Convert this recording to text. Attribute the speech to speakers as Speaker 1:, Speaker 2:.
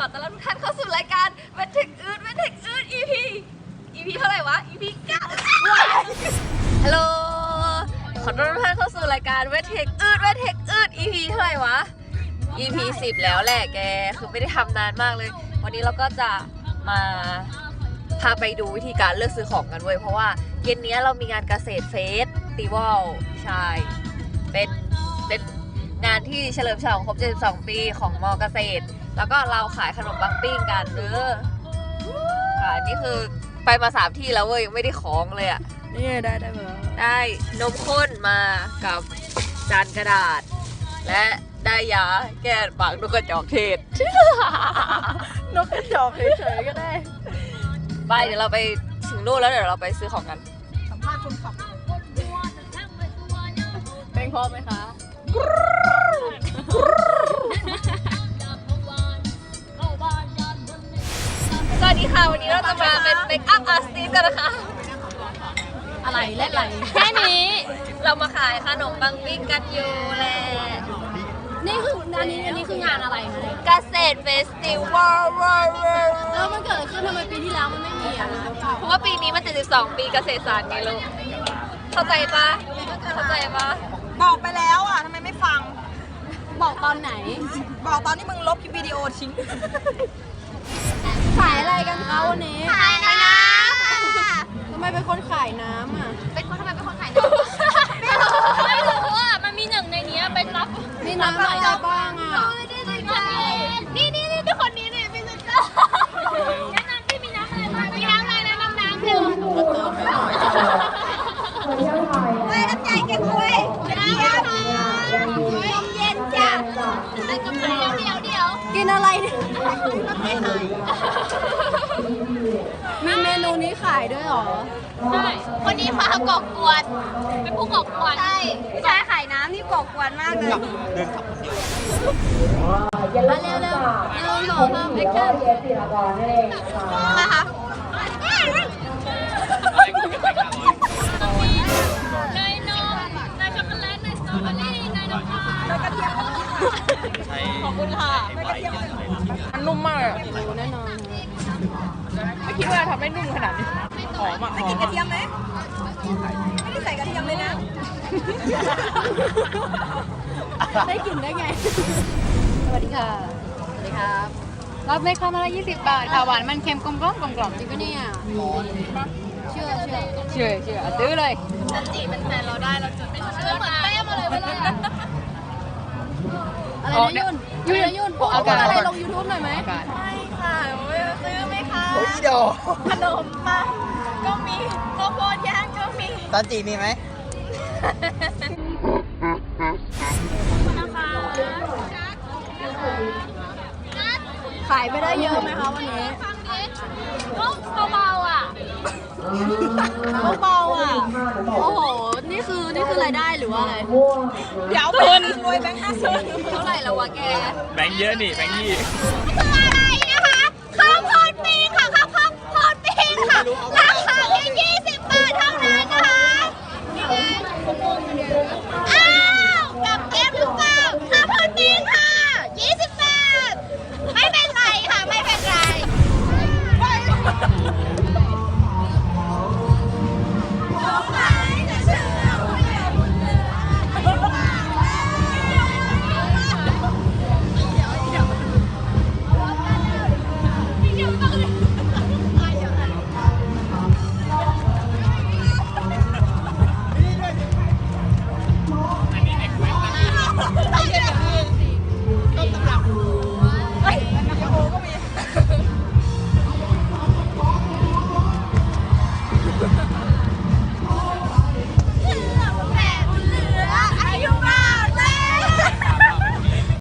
Speaker 1: อต้อนรับทุกท่านเข้าสู่รายการเวทเทคอืดEP เท่าไหร่วะ EP 9ฮัลโหลขอต้อนรับทุกท่านเข้าสู่รายการเวทเทคอืด EP เท่าไหร่วะ EP 10แล้วแหละแกคือไม่ได้ทำนานมากเลยวันนี้เราก็จะมาพาไปดูวิธีการเลือกซื้อของกันเว้ยเพราะว่าเย็นนี้เรามีงานเกษตรเฟสติวัลใช่เป็นงานที่เฉลิมฉลองครบ72 ปีของมอเกษตรแล้วก็เราขายขนมปังปิ้งกันค่ะนี่คือไปมา3 ที่แล้วเว้ยยังไม่ได้ของเลยอ่ะ
Speaker 2: นี่ได้มาแล้ว
Speaker 1: ได้นมข้นมากับจานกระดาษและได้ยาแก้ปากนกกระจอกเทศ
Speaker 2: นกกระจอกเฉยๆก็ได้
Speaker 1: ไปเดี๋ยวเราไปถึงนู่นแล้วเดี๋ยวเราไปซื้อของกัน
Speaker 2: สัมภาษณ์คนขับเพลงพร้อมไหมคะ
Speaker 1: สวัสดีค่ะวันนี้เราจะมาเป็นเมคอัพอาร์ติสต์กันนะคะ
Speaker 2: อะไรเล่นอะไร
Speaker 1: แค่นี้เรามาขายขนมปังปิ้งกันอยู่แหละ
Speaker 2: นี่คืออันนี้คืองานอะไรคะ
Speaker 1: เกษตรเฟสติวัล
Speaker 2: แล้วมันเกิดอะไรขึ้นทำไมปีที่แล้วมันไม่มีอ่ะ
Speaker 1: เพราะว่าปีนี้มัน72 ปีเกษตรศาสตร์ไงลูกเข้าใจปะ
Speaker 3: บอกไปแล้วอ่ะทำไมไม่ฟัง
Speaker 2: บอกตอนไหน
Speaker 3: บอกตอนที่มึงลบคลิปวิดีโอทิ้ง
Speaker 2: ขายอะไรกันคะวันนี้
Speaker 1: ขายน้
Speaker 2: ำทำไมเป็นคนขายน้ำอ่ะ
Speaker 1: ทำไมเป็นคนขายน้ำไม่รู้อ่ะมันมีหนึ่งในนี้เป็นรับ
Speaker 2: มีน้ำอะไรบ้างอ่ะ
Speaker 1: นี่ทุกคนนี้นี่เป็นเจ้าแนะนำที่มีน้ำอะไรบ้างมีน้ำอะไรนะน้ำเดี๋ยวไม่น้ำใจแกคุยน้ำเย็นจ้ะไอ้กาแฟเดี๋ยว
Speaker 2: กินอะไรเนี่ยมีเมนูนี้ขายด้วยหรอ
Speaker 1: ใช่วันนี้มาก่อกวนเป็นผู้ก่อกวน
Speaker 3: ใช่ขายน้ำนี่ก่อกวนมากเลย
Speaker 2: เร็วแอคชั่น
Speaker 1: นะคะเนยนมเนยช็อกโกแลตเนยสตรอเบอรี่เนยน้ำตาลขอบคุณค่ะ
Speaker 2: มันนุ่มมากเลยแน่นอนไม่คิดว่าทำได้นุ่มขนาดนี้หอมอ่ะ
Speaker 3: กินกระเทียมไหมไม่ได้ใส่กระเทียมเลยนะ
Speaker 2: ได้กลิ่นได้ไงสวัสดีค่ะสวัสดีครับรับไหมคะมาละ20 บาทค่ะหวานมันเค็มกลมกล่อมจริงปะเนี่ยเชื่อซื้อเลย
Speaker 1: จันจีเป็นแฟนเราได้เราจุดเป็นเชื่อเหมือนแป้มาเลยเวลา
Speaker 2: อะไรนะยุ่นอากาศอะไรลง YouTube หน่อยไหม
Speaker 1: ไม่ค่ะซื้อไหมคะ
Speaker 3: โอ้ยเดี๋ยว
Speaker 1: ขนมปังก็มีข้าวโพดย่างก็มี
Speaker 3: ตอนจีมีไหม
Speaker 2: ขายไปได้เยอะไหมคะวันนี้
Speaker 1: ก็เบาๆอ่ะ
Speaker 2: โอ้โหนี่คือรายได้หรือว่าอะไร
Speaker 3: เดี๋ยวเป็นรวยแบงค์
Speaker 1: 50เท่าไหร่แล้ววะแก
Speaker 4: แบงค์เยอะนี่แบงค์20
Speaker 1: คืออะไรนะคะข้าวโพดปิ้งค่ะข้าวโพดปิ้งค่ะ